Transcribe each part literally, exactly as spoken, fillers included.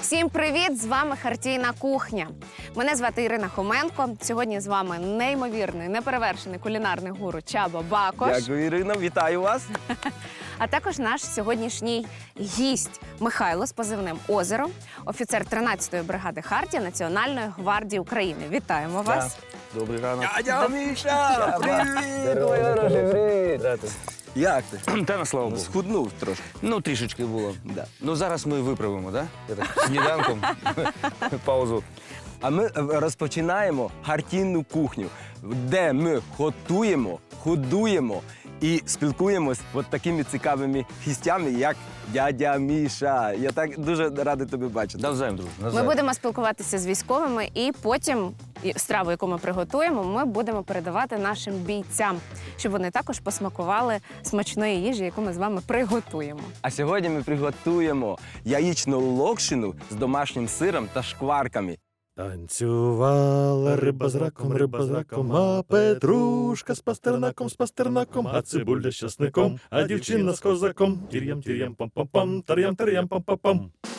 Всім привіт! З вами Хартійна кухня. Мене звати Ірина Хоменко. Сьогодні з вами неймовірний, неперевершений кулінарний гуру Чаба Бакош. Дякую, Ірина, вітаю вас. А також наш сьогоднішній гість Михайло з позивним «Озеро», офіцер тринадцятої бригади Хартія Національної гвардії України. Вітаємо вас! Добрий ранок. Дядя Міша, привіт! Ой, хороший, привіт! Як ти? Та на слава Богу. Схуднув трошки. Ну, трішечки було. Да. Ну, зараз ми виправимо, так? Да? Я так сніданком. Паузу. А ми розпочинаємо хартійну кухню, де ми готуємо, годуємо і спілкуємось от такими цікавими гостями, як дядя Міша. Я так дуже радий тебе бачити. Навзаєм, друже. Ми Навзаєм. будемо спілкуватися з військовими, і потім і страву, яку ми приготуємо, ми будемо передавати нашим бійцям, щоб вони також посмакували смачної їжі, яку ми з вами приготуємо. А сьогодні ми приготуємо яєчну локшину з домашнім сиром та шкварками. Танцювала риба з раком, риба з раком, а петрушка з пастернаком, з пастернаком, а цибуля з часником, а дівчина з козаком. Тір'ям, тір'ям, пам-пам-пам, тар'ям, тар'ям, пам-пам-пам.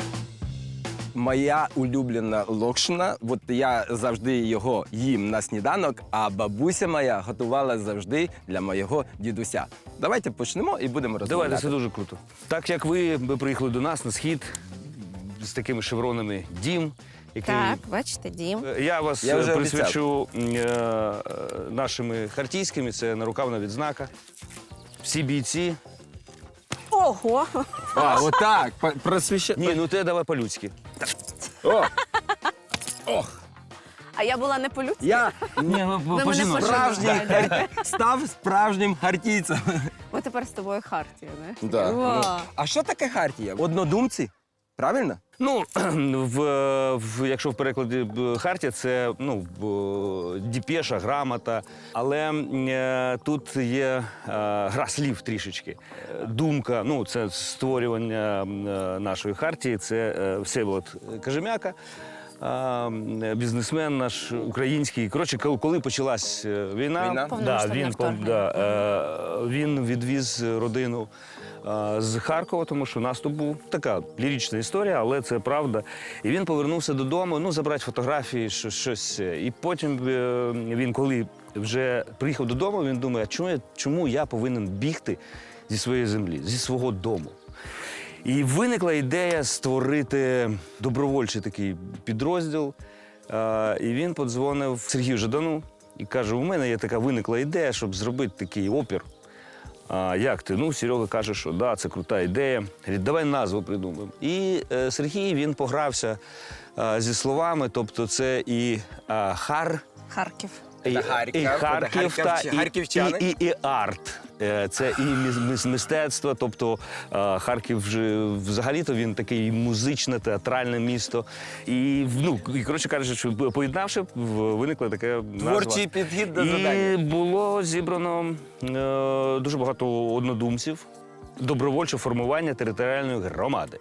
Моя улюблена локшина, от я завжди його їм на сніданок, а бабуся моя готувала завжди для моєго дідуся. Давайте почнемо і будемо розмовляти. Давайте, це дуже круто. Так як ви приїхали до нас на схід з такими шевронами «Дім», який... Так, бачите, Дім. Я вас Я вже присвячу е, нашими хартійськими, це нарукавна відзнака. Всі бійці. Ого! А, отак, просвіща... Ні, ну ти давай по-людськи. О! Ох! А я була не по-людськи? Я Ні, Ви мене справжній, пошануєте. став справжнім хартійцем. Ми тепер з тобою Хартія, не? Да. Вау. Ну, а що таке хартія? Однодумці? Правильно? Ну, в, в, якщо в перекладі б, хартія, це ну, б, діпеша, грамота. Але е, тут є е, гра слів трішечки. Е, Думка, ну, це створювання е, нашої хартії, це е, Всеволод Кажем'яка. А, бізнесмен наш український. Коротше, коли- коли почалась е, війна, Війна? Да, Повномасштабне він, вторгнення. да, е, він відвіз родину е, з Харкова, тому що наступ був така лірична історія, але це правда. І він повернувся додому, ну, забрати фотографії, що- щось. І потім е, він, коли вже приїхав додому, він думає, а чому я, чому я повинен бігти зі своєї землі, зі свого дому? І виникла ідея створити добровольчий такий підрозділ. Е, І він подзвонив Сергію Жадану і каже, у мене є така виникла ідея, щоб зробити такий опір. А як ти? Ну, Серега каже, що да, це крута ідея. Говорить, давай назву придумаємо. І е, Сергій, він погрався е, зі словами, тобто це і е, хар, Харків. і, Це Харків, і це Харків, та, харківча- і, харківчани. і, і, і арт. Е, Це і міс- міс- мистецтво, тобто е, Харків вже взагалі-то він такий музичне, театральне місто. І, ну, і коротше кажучи, що поєднавши, в- виникла така назва. Творчий підхід до І завдання. було зібрано е, дуже багато однодумців, добровольче формування територіальної громади.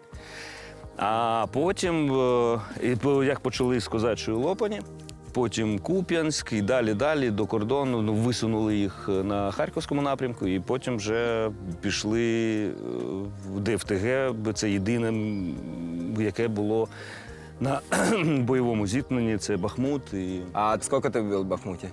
А потім, е, і по- як почали з Козачої Лопані, потім Куп'янськ і далі-далі до кордону, ну, висунули їх на Харківському напрямку, і потім вже пішли е, в ДФТГ, бо це єдине, м, яке було на бойовому зіткненні, це Бахмут. І, А скільки ти був в Бахмуті?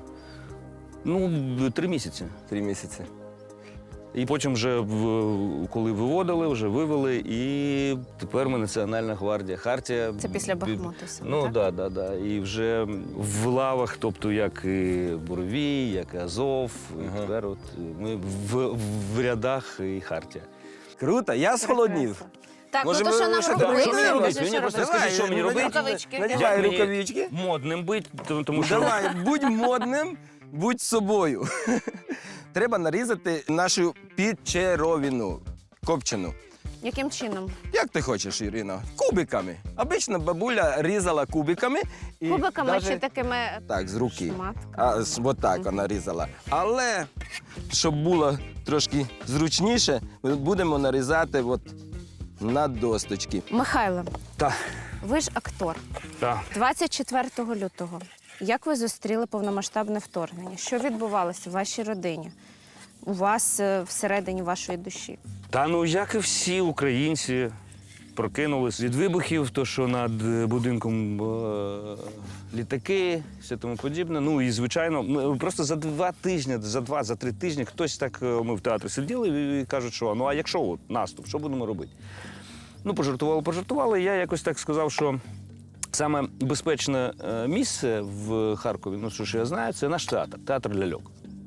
ну, три місяці. Три місяці. І потім вже, в- коли виводили, вже вивели, і тепер ми Національна гвардія Хартія. Це після Бі- Бахмуту саме, Ну, так? так, да, да, да. І вже в лавах, тобто як і Боровій, як і Азов, і Ага. тепер от ми в, в рядах і Хартія. Круто, я схолоднів. Так, Може, ну то ви- що нам що робити? робити? Що мені Кажи, робити? що Мені просто робити? скажи, що мені робити? Рукавички. Надягай Як мені рукавички. Модним бить, тому- тому що... Давай, будь модним, будь собою. Треба нарізати нашу підчеровину копчену. Яким чином? Як ти хочеш, Ірина? Кубиками. Обично бабуля різала кубиками. І Кубиками даже- чи такими Так, з руки. шматками? А, з- от так вона різала. Але, щоб було трошки зручніше, ми будемо нарізати от на досточки. Михайло, Так, ви ж актор. так. двадцять четвертого лютого. Як ви зустріли повномасштабне вторгнення? Що відбувалося в вашій родині? У вас е, всередині вашої душі? Та ну, як і всі українці, прокинулись від вибухів, то що над е, будинком е, літаки, все тому подібне. Ну і звичайно, ми просто за два тижні, за два, за три тижні хтось так, е, ми в театрі сиділи і, і кажуть, що ну а якщо от, наступ, що будемо робити? Ну, пожартували, пожартували. І я якось так сказав, що саме безпечне е, місце в Харкові, ну що ж я знаю, це наш театр, театр ляльок.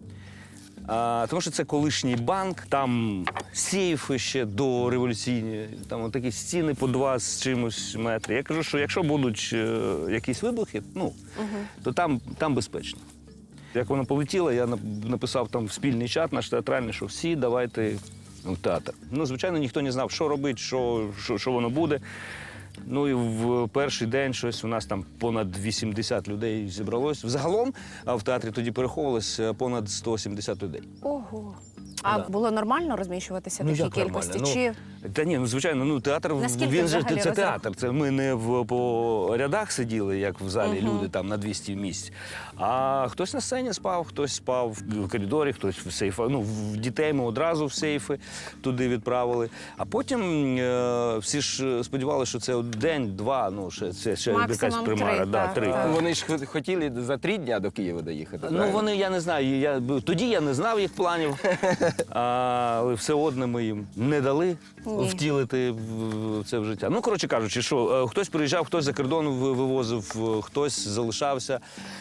А, тому що це колишній банк, там сейфи ще дореволюційні, там такі стіни по два з чимось метри. Я кажу, що якщо будуть е, якісь вибухи, ну, то там, там безпечно. Як вона полетіла, я нап- написав там в спільний чат наш театральний, що всі давайте в театр. Ну, звичайно, ніхто не знав, що робити, що, що, що воно буде. Ну і в перший день щось у нас там понад вісімдесят людей зібралось. Взагалом а в театрі тоді переховувалось понад сто сімдесят людей. Ого. А Да. було нормально розміщуватися в Ну, такій як кількості? нормально? Чи Та ні, ну звичайно, ну театр Наскільки він же взагалі це розрах- театр. Це ми не в по рядах сиділи, як в залі Мгм. люди там на двісті місць. А хтось на сцені спав, хтось спав в коридорі, хтось в сейфах. Ну, в дітей ми одразу в сейфи туди відправили. А потім е, всі ж сподівалися, що це день-два, ну ще це ще Максимум якась примара. три, да, так, три. так. Вони ж хот- хотіли за три дня до Києва доїхати. Ну, вони, я не знаю, я, тоді я не знав їх планів, а, але все одно ми їм не дали Ні. втілити в це в життя. Ну, коротше кажучи, що е, хтось приїжджав, хтось за кордон ви- вивозив, е, хтось залишався.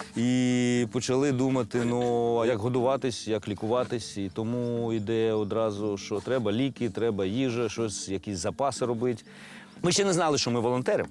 І почали думати, ну, а як годуватись, як лікуватись. І тому йде одразу, що треба ліки, треба їжа, щось, якісь запаси робити. Ми ще не знали, що ми волонтеримо.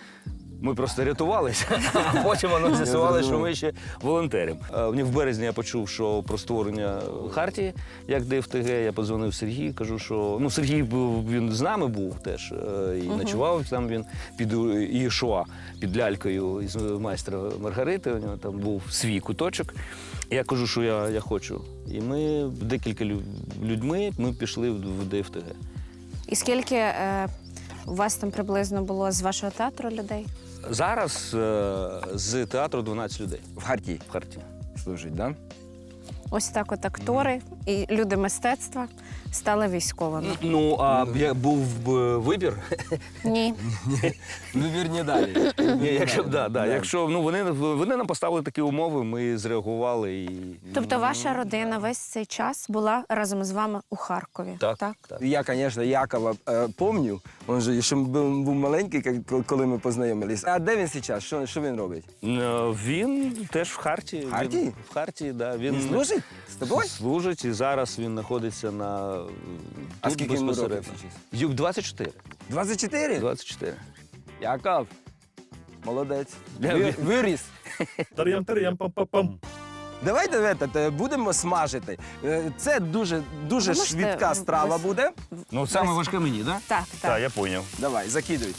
Ми просто рятувалися, а потім воно з'ясували, що ми ще волонтеримо. Е, В березні я почув, що про створення хартії, як ДФТГ, я подзвонив Сергію, кажу, що ну Сергій був, він з нами був теж е, і ночував там він під Ієшуа, під лялькою із майстра Маргарити. У нього там був свій куточок. І я кажу, що я, я хочу. І ми декілька лю- людьми ми пішли в в ДФТГ. і скільки е, у вас там приблизно було з вашого театру людей? Зараз е, з театру дванадцять людей В Харті в Харті. служить, так? Да? Ось так от актори і люди мистецтва стали військовими. Ну, а я був б вибір. Ні. Ну, вірні далі. Ні, якщо б да, да, якщо ну вони вони нам поставили такі умови, ми зреагували і Тобто ваша родина весь цей час була разом з вами у Харкові? так, так? так. Я, звісно, Якова е, пам'ятаю. Він же ще був, був маленький, як- коли ми познайомилися. А де він зараз? Що, що він робить? Е, Він теж в Харті. В Харті? Він, в Харті, да. Він Він служить з тобою? Служить і зараз він знаходиться на А тут скільки йому безпосередньо. років зараз? Юк двадцять чотири. двадцять чотири? двадцять чотири. Яков, молодець. Я- Ви- Виріс. Тар'ям-тар'ям-пам-пам-пам. Давайте вето, будемо смажити. Е, Це дуже, дуже Ви можете швидка страва без- буде. Ну, саме важке мені, так? Да? Так, так. Так, я зрозумів. Давай, закидуй.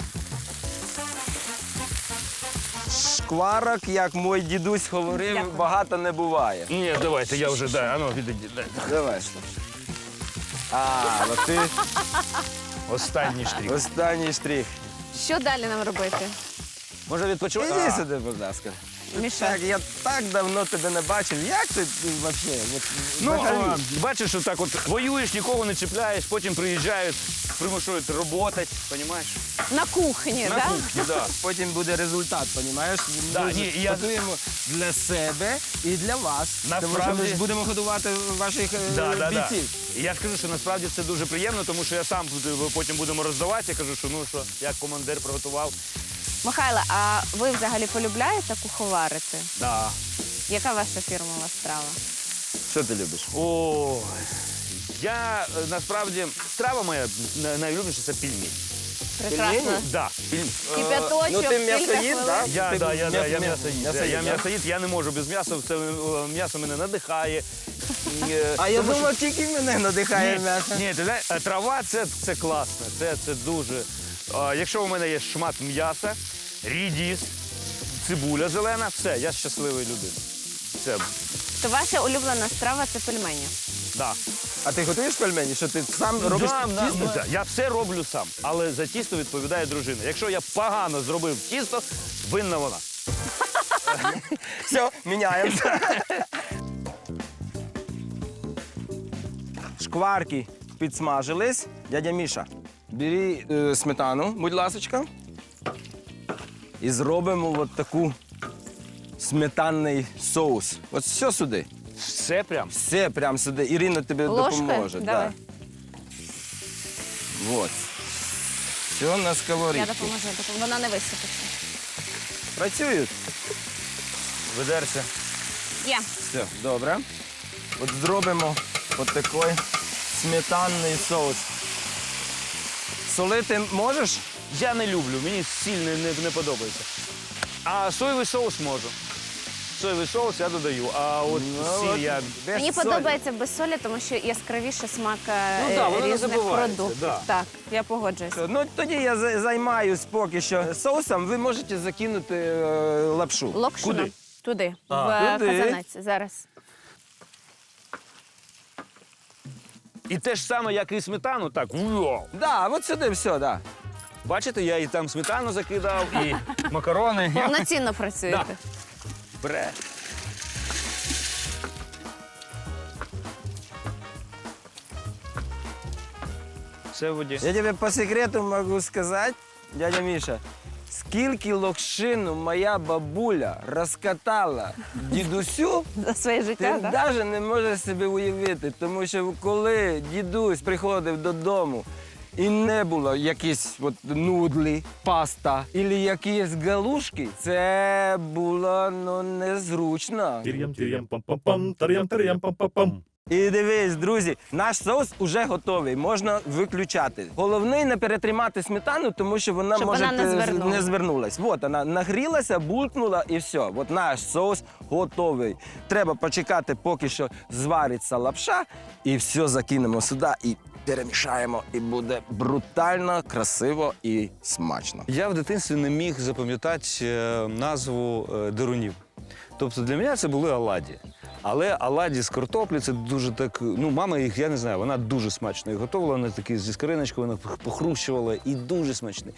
Шкварок, як мій дідусь говорив, Дякую. багато не буває. Ні, давайте, я вже, да, а ну, відійди, дай. Давай. А, ну ти Останній штрих. останній штрих. Що далі нам робити? Може відпочивати? Іди А. сюди, будь ласка. Міша. Так, я так давно тебе не бачив. Як ти взагалі? Ну, а, бачиш, що так от воюєш, нікого не чіпляєш, потім приїжджають, примушують роботи, розумієш? На кухні, На так? кухні, да. Потім буде результат, розумієш? Да, Ми ні, ж я- готуємо для себе і для вас. Тому що Насправді- ми ж будемо годувати ваших е, Да, да, да. бійців. І я ж кажу, що насправді це дуже приємно, тому що я сам буду- потім будемо роздавати. Я кажу, що ну що, як командир приготував. Михайло, а ви взагалі полюбляєте куховарити? Да. Яка ваша фірмова страва? Що ти любиш? О, я е, насправді страва моя на- найулюбленіша це пельмені. Прекрасно. Пельмені? Да, пельмені. Кипяточок, Ну, ти кілька м'ясоїд, хвилин. так? Я, Ти да, я, да, я м'ясо- м'ясоїд. м'ясоїд, Я да? м'ясоїд, я не можу без м'яса, це е, м'ясо мене надихає. Е, А я тому що- думав, тільки мене надихає Ні, м'ясо. ні, ти знаєш, е, трава це, це класно, це, це дуже. А, якщо у мене є шмат м'яса, рідіс, цибуля зелена, все, я щасливий людина. Все, То ваша улюблена страва це пельмені. да. А ти готуєш пельмені? Що ти сам робиш Да, да, тісто? да, я все роблю сам, але за тісто відповідає дружина. Якщо я погано зробив тісто, винна вона. Все, міняємося. Шкварки підсмажились. Дядя Міша, бери е, сметану, будь ласочка. І зробимо от таку сметанний соус. От все сюди. Все прям. Все прямо сюди. Ірина тобі Ложкою? допоможе. Давай. Да. От. Все на Я сковорідку. допоможу, допоможу. Вона не висипеться. Працюють. Ведерся. Є. Все, добре. От зробимо от такий сметанний соус. Солити можеш? Я не люблю, мені сіль не, не, не подобається. А соєвий соус можу. Соєвий соус я додаю, а от Ну, сіль от я. без Мені солі. подобається без солі, тому що яскравіше смак е, Ну, да, воно не різних забувається, продуктів. да. Так, я погоджуюся. Ну, тоді я за- займаюсь поки що соусом. Ви можете закинути е, лапшу. Локшину? Куди? Туди, А. в е, Туди. казанець. Зараз. І те ж саме, як і сметану, так. уйо. Да, от сюди все, да. Бачите, я і там сметану закидав, і макарони. Повноцінно працюєте. Бре. Все в воді. Я тебе по секрету можу сказати, дядя Міша, скільки локшину моя бабуля розкатала дідусю, За своє ти життя, так? навіть не можеш собі уявити. Тому що коли дідусь приходив додому і не було якісь от нудлі, паста або якісь галушки, це було ну, незручно. Тир'ям, тир'ям, пам-пам-пам, тар'ям, тар'ям, пам-пам-пам. І дивись, друзі, наш соус уже готовий, можна виключати. Головне не перетримати сметану, тому що вона Щоб може вона не е, звернула. не звернулась. От вона нагрілася, булькнула і все. От наш соус готовий. Треба почекати, поки що звариться лапша, і все закинемо сюди і перемішаємо. І буде брутально, красиво і смачно. Я в дитинстві не міг запам'ятати е, назву е, дирунів. Тобто для мене це були оладі. Але оладі з картоплі це дуже так. Ну, мама їх, я не знаю, вона дуже смачно їх готувала. Вона такі зі скориночкою, вона похрущувала і дуже смачний.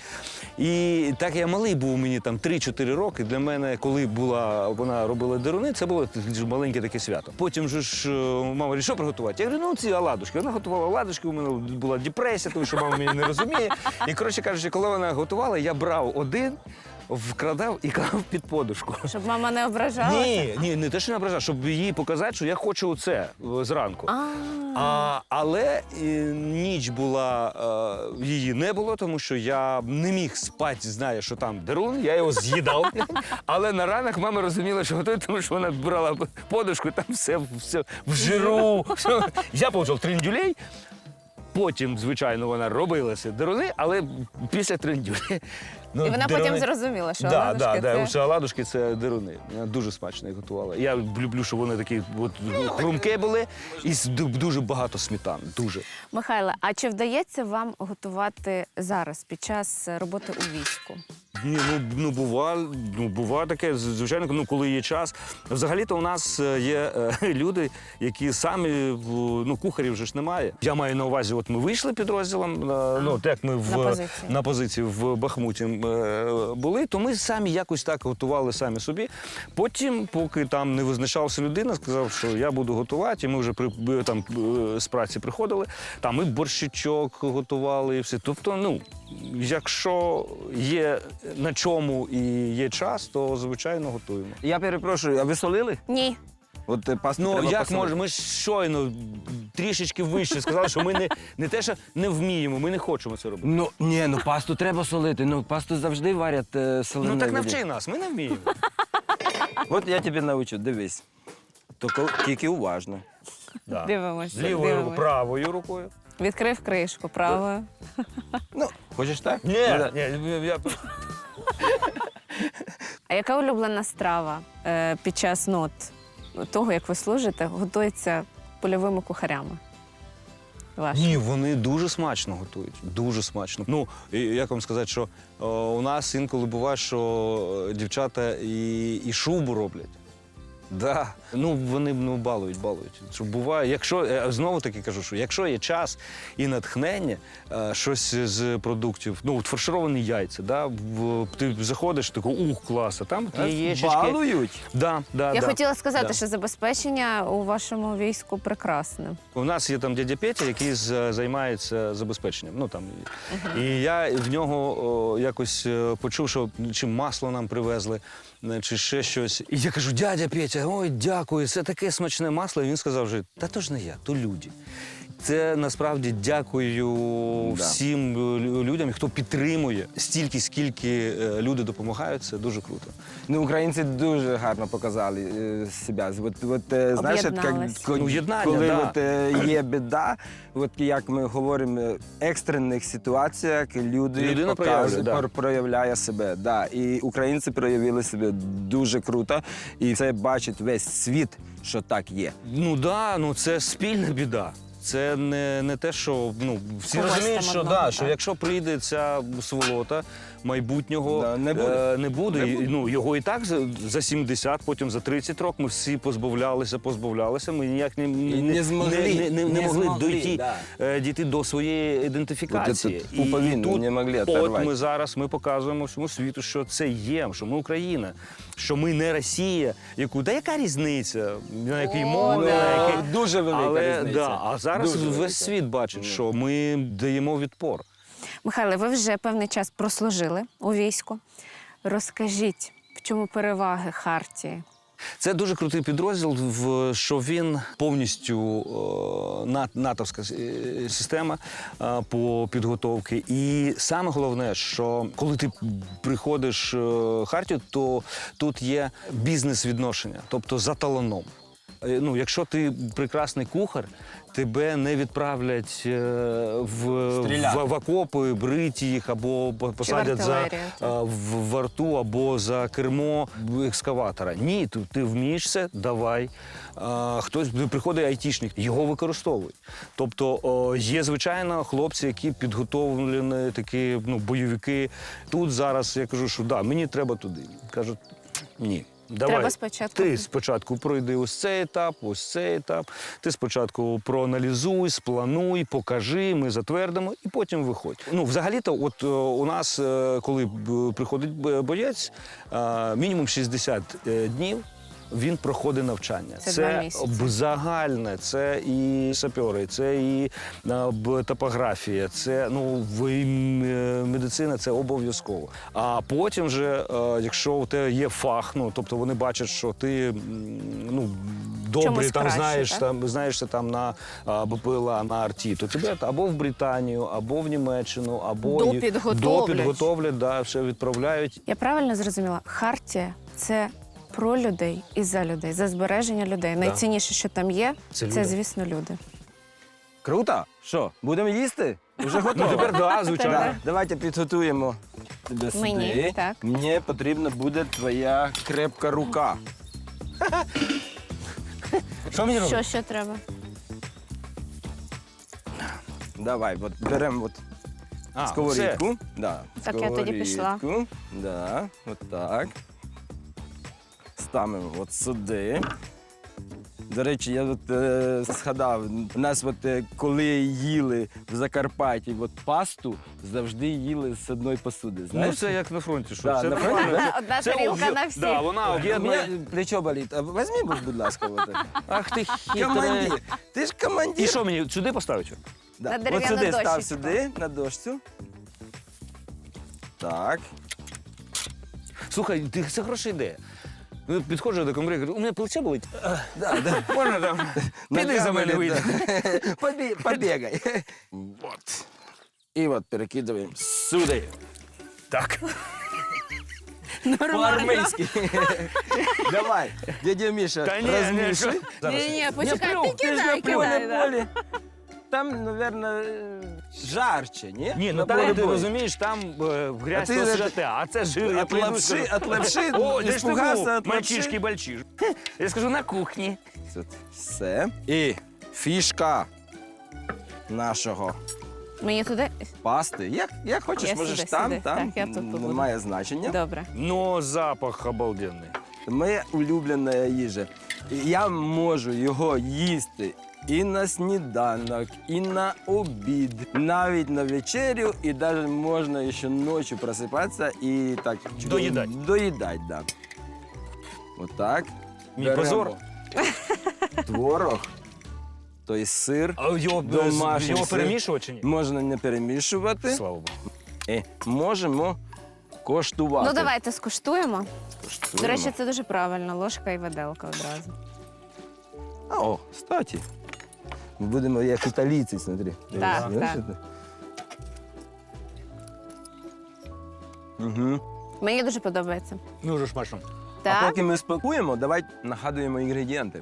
І так я малий був, мені там три-чотири роки. Для мене, коли була вона робила деруни, це було дуже маленьке таке свято. Потім же ж е, мама говорить, що приготувати? Я говорю, ну ці оладушки. Вона готувала оладушки, у мене була депресія, тому що мама мене не розуміє. І коротше кажучи, коли вона готувала, я брав один. Вкрадав і клав під подушку. Щоб мама не ображалася? Ні, ні, не те, що не ображав, щоб їй показати, що я хочу оце е, зранку. А, А, але е, ніч була, е, її не було, тому що я не міг спати, знає, що там дерун, я його з'їдав. Але на ранок мама розуміла, що готує, тому що вона брала подушку, і там все, все в жиру. Все. Я отримав трендюлей. Потім, звичайно, вона робила ці деруни, але після трендюлі. Ну, і вона деруни- потім зрозуміла, що Да, оладушки да, да. це... Усе оладушки це деруни. Вона дуже смачно їх готувала. Я люблю, щоб вони такі от, хрумкі були і з- ду- дуже багато сметан. Дуже. Михайле, а чи вдається вам готувати зараз, під час роботи у війську? Ні, ну, ну, бува, ну, бува таке, з- звичайно, ну, коли є час. Взагалі-то у нас е, є е, люди, які самі, в- ну, кухарів вже ж немає. Я маю на увазі, от ми вийшли підрозділом, е, ну, так ми в, На позиції. на позиції в Бахмуті е, були, то ми самі якось так готували самі собі. Потім, поки там не визначався людина, сказав, що я буду готувати, і ми вже при, е, там е, з праці приходили, там і борщичок готували, і все. Тобто, ну, якщо є на чому і є час, то, звичайно, готуємо. Я перепрошую, а ви солили? Ні. От е, пасту Ну, треба як посолити. може, ми ж щойно трішечки вище сказали, що ми не, не те, що не вміємо, ми не хочемо це робити. Ну, ні, ну пасту треба солити. Ну, пасту завжди варять е, соленою Ну так водою. навчи нас, ми не вміємо. От я тебе навчу, дивись. Тільки, тільки уважно. Да. Дивимося. Лівою рукою, дивимося. правою рукою. Відкрив кришку правою. Ну, хочеш так? Ні, Ну, да. ні, я... А яка улюблена страва е, під час ну, от, того, як ви служите, готується польовими кухарями? Ваші? Ні, вони дуже смачно готують. Дуже смачно. Ну, і як вам сказати, що о, у нас інколи буває, що е, дівчата і, і шубу роблять. Да. Ну, вони ну, балують, балують. Що буває, якщо, е, знову таки кажу, що якщо є час і натхнення, е, щось з продуктів, ну, от фаршировані яйця, да, в, ти заходиш, такий, ух, клас, а там є яєчечки. Балують? Да, да, Я да. хотіла сказати, Да. що забезпечення у вашому війську прекрасне. У нас є там дядя Петя, який з- займається забезпеченням. Ну, там, і я в нього о, якось е, почув, що чи масло нам привезли, е, чи ще щось. І я кажу, дядя Петя, ой, дякую, це таке смачне масло. І він сказав, що та то ж не я, то люди. Це насправді дякую Да. всім лю- людям, хто підтримує стільки, скільки е, люди допомагають. Це дуже круто. Ну, українці дуже гарно показали е, себе. От, от, е, знаєш, от, як, Об'єднались. ко- Ну, єднання, коли да. от, е, є біда, от як ми говоримо, в екстрених ситуаціях люди Людина показує- проявляє, да. пор- проявляє себе. Да. І українці проявили себе дуже круто. І це бачить весь світ, що так є. Ну да, ну це спільна біда. Це не, не те, що ну всі Когось розуміють, там що одного, да, так. що якщо прийде ця сволота майбутнього, Да, не буде. е, не буде. Не І, буде. ну його і так за, за сімдесят, потім за тридцять років ми всі позбавлялися, позбавлялися. Ми ніяк не, І не змогли, не, не, не, не могли змогли, дійти, да. е, дійти до своєї ідентифікації. От этот пуповину тут, не могли от оторвати. ми зараз ми показуємо всьому світу, що це є, що ми Україна, що ми не Росія. Яку да яка різниця? На якій О, мові, да. на якій Дуже велика але, різниця. да, а зараз Дуже велика. весь світ бачить, що ми даємо відпор. Михайле, ви вже певний час прослужили у війську. Розкажіть, в чому переваги Хартії? Це дуже крутий підрозділ, в що він повністю е, на- натовська е, система е, по підготовці. І саме головне, що коли ти приходиш е, в Хартію, то тут є бізнес-відношення, тобто за талоном. Е, Ну, якщо ти прекрасний кухар, тебе не відправлять е, в, Стріляти. в, в окопи, брити їх або по- посадять за, артилерію, так. е, в варту або за кермо екскаватора. Ні, ти, ти вмієш це, давай. А, хтось приходить айтішник, його використовують. Тобто о, є, звичайно, хлопці, які підготовлені, такі ну, бойовики. Тут зараз я кажу, що да, мені треба туди. Кажуть, ні. Давай, Треба спочатку. ти спочатку пройди ось цей етап, ось цей етап. Ти спочатку проаналізуй, сплануй, покажи, ми затвердимо і потім виходь. Ну, взагалі-то, от е, у нас, е, коли б- приходить б- боєць, е, мінімум шістдесят е, днів він проходить навчання. Це два місяці. б- загальне, це і сапьори, це і е, б- топографія, це ну, в і м- е, медицина це обов'язково. А потім вже, е, якщо у тебе є фах, ну тобто вони бачать, що ти м, ну, добрий, Чомусь там краще, знаєш, так? там знаєшся там на а, БПЛА, на арті, то тебе або в Британію, або в Німеччину, або й- Допідготовлять. допідготовлять, да, ще відправляють. Я правильно зрозуміла, Хартія – це про людей і за людей, за збереження людей. Найцінніше, що там є, Це це, люди. звісно, люди. Круто? Що, будемо їсти? Уже Ну готово? тепер да, звичайно. Да. Давайте підготуємо тебе сюди. Мені, так. Мені потрібна буде твоя крепка рука. Що мені робити? Що ще треба? Давай, от беремо от А, сковорідку. Да, Так, я тоді пішла. сковорідку. Да, от так. Ставимо от сюди. До речі, я от, е, згадав, у нас от, е, коли їли в Закарпатті от, пасту, завжди їли з одної посуди, Ну знаєш? це як на фронті, що Да, це на фронті, нормально. да? Одна Це тарілка об'є- на всіх. Да, вона У об'єднує. мене плечо болить. А Візьми, будь ласка. От. Ах ти хитрий. Командир. Ти ж командир. І що мені сюди поставити? Да. На От дерев'яну сюди став дощечку. сюди, на дошцю. Так. Слухай, ти це хороша ідея. Ну, підходжу до комбриг, кажу, у мене плече болить. Да, да. Можна там? Піди за мене вийди. Побі- Побігай. Вот. І от перекидаємо сюди. Так. По-армейськи. Давай, дядя Міша, Та ні, ні, розмішуй. що? Зараз. Ні-ні, почекай, плюв, ти ти ж кидай, не плюв. кидай. Поле да. поле. Там, мабуть, жарче, ні? Ні, ну На там полі ти бою. розумієш, там е, грязь А ти- то святе, а це жир. я От прийду, лапши, скажу, от лапши, О, де ж ти испугався був? от Мальчишки лапши. бальчиш. Я скажу, на кухні. Тут все. І фішка нашого Мені туди? пасти. Як, як хочеш, Я можеш сюди, там, сюди. там. Так, я тут побуду. Немає значення. Добре. Ну, запах обалденний. моя улюблена їжа. І я можу його їсти і на сніданок, і на обід, навіть на вечерю, і навіть можна ще ночі просипатися і так Доїдать. Доїдать, да. Отак. Мій Беремо позор. Творог, тобто сир. А його, Домашній його сир. перемішувати чи ні? Можна не перемішувати. Слава Богу. І можемо коштувати. Ну давайте скуштуємо. Коштуємо. До речі, це дуже правильно. Ложка і виделка одразу. О, кстати. Ми будемо як італійці, смотри. Так, Знаєш, так. це? Угу. Мені дуже подобається. Дуже смачно. А Так, поки ми спакуємо, давай нагадуємо інгредієнти.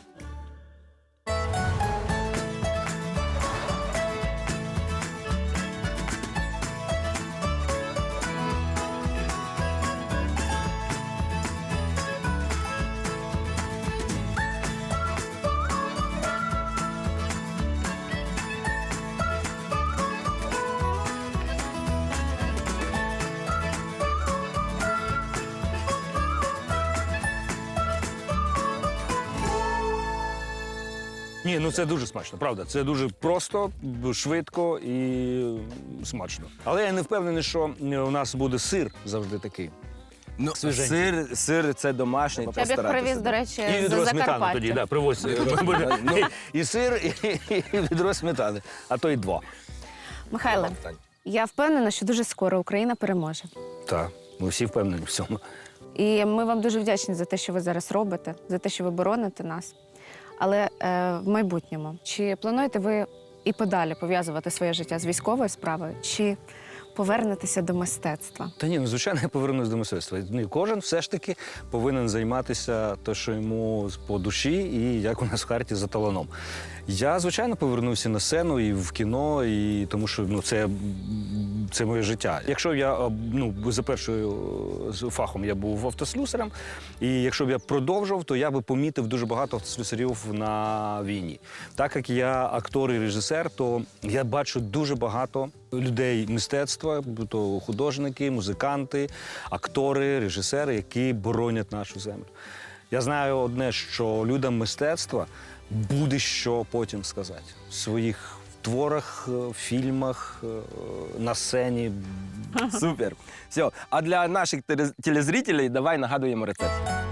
Ні, ну це дуже смачно, правда. Це дуже просто, б- швидко і смачно. Але я не впевнений, що у нас буде сир завжди такий. Ну, Свіженький. сир, сир це домашній. я б постаратися, привіз, да. до речі, І з відро сметани Закарпаття. тоді, да, привозь. Буде Ну. і- І сир, і і відро сметани, а то й два. Михайле, я впевнена, що дуже скоро Україна переможе. Так, ми всі впевнені в цьому. І ми вам дуже вдячні за те, що ви зараз робите, за те, що ви бороните нас. Але е, в майбутньому, чи плануєте ви і подалі пов'язувати своє життя з військовою справою, чи повернетеся до мистецтва? Та ні, ну звичайно, я повернусь до мистецтва. Ну, кожен все ж таки повинен займатися те, що йому по душі, і як у нас в харті за таланом. Я, звичайно, повернувся на сцену і в кіно, і тому що ну, це, це моє життя. Якщо б я ну, за першою з фахом я був автослюсарем, і якщо б я продовжував, то я би помітив дуже багато автослюсарів на війні. Так як я актор і режисер, то я бачу дуже багато людей мистецтва, то художники, музиканти, актори, режисери, які боронять нашу землю. Я знаю одне, що людям мистецтва буде що потім сказати в своїх творах, фільмах, на сцені. Супер. Все. А для наших телез- телезрителей давай нагадуємо рецепт.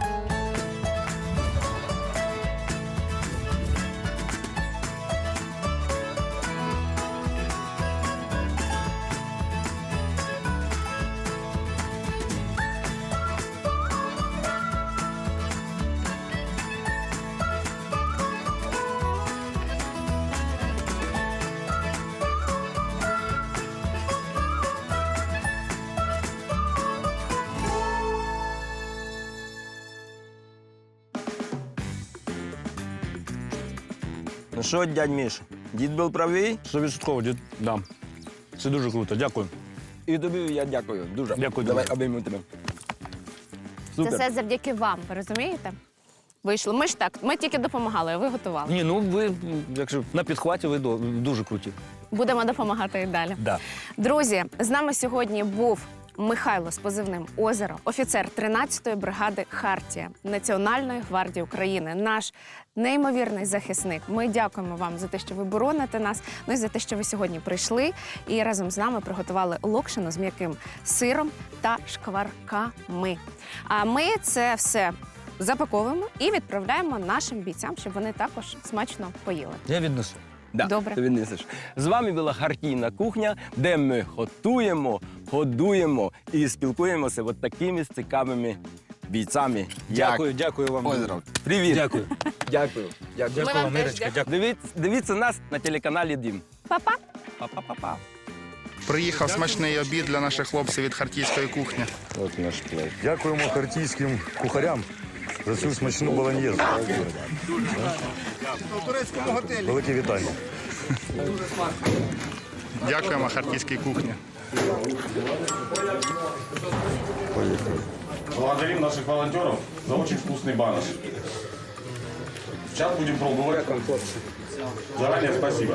Ну що, дядь Міш, дід був правий, Стовідсотково, дід. Да. Це дуже круто. Дякую. і тобі я дякую. Дуже. Дякую Давай дуже. обійму тебе. Це Супер. все завдяки вам, ви розумієте? Вийшло. Ми ж так, ми тільки допомагали, а ви готували. Ні, ну ви, якщо на підхваті, ви до- дуже круті. Будемо допомагати і далі. Да. Друзі, з нами сьогодні був Михайло з позивним «Озеро», офіцер тринадцятої бригади «Хартія» Національної гвардії України, наш неймовірний захисник. Ми дякуємо вам за те, що ви бороните нас, ну і за те, що ви сьогодні прийшли і разом з нами приготували локшину з м'яким сиром та шкварками. А ми це все запаковуємо і відправляємо нашим бійцям, щоб вони також смачно поїли. Я віднесу. Да, Добре. ти віднесеш. З вами була Хартійна кухня, де ми готуємо, годуємо і спілкуємося от такими цікавими бійцами. Дякую, як дякую вам. Озеро. Привіт. Дякую. Дякую. Дякую. Ми вам теж дякуємо. Дивіться, дивіться нас на телеканалі Дім. Па-па! Па-па-па-па. Приїхав смачний обід для наших хлопців від хартійської кухні. От наш плей. Дякуємо хартійським кухарям за цю смачну болоньєзу. Велике вітання. Дякуємо хартійській кухні. Благодарим наших волонтеров за очень вкусный баныш. Сейчас будем пробовать. Заранее спасибо.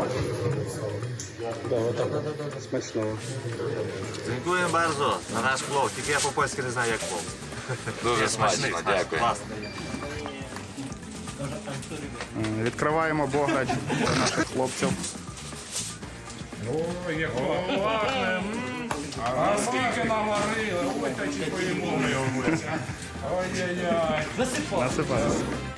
Dziękuję bardzo za nasz plov. Тільки я по-польськи не знаю, як плов. Дуже смачно, дякую. Відкриваємо бограч для наших хлопців. А скільки наварили? Ой, та чи поїмо ми його. Ой-ой-ой. Насипаємо.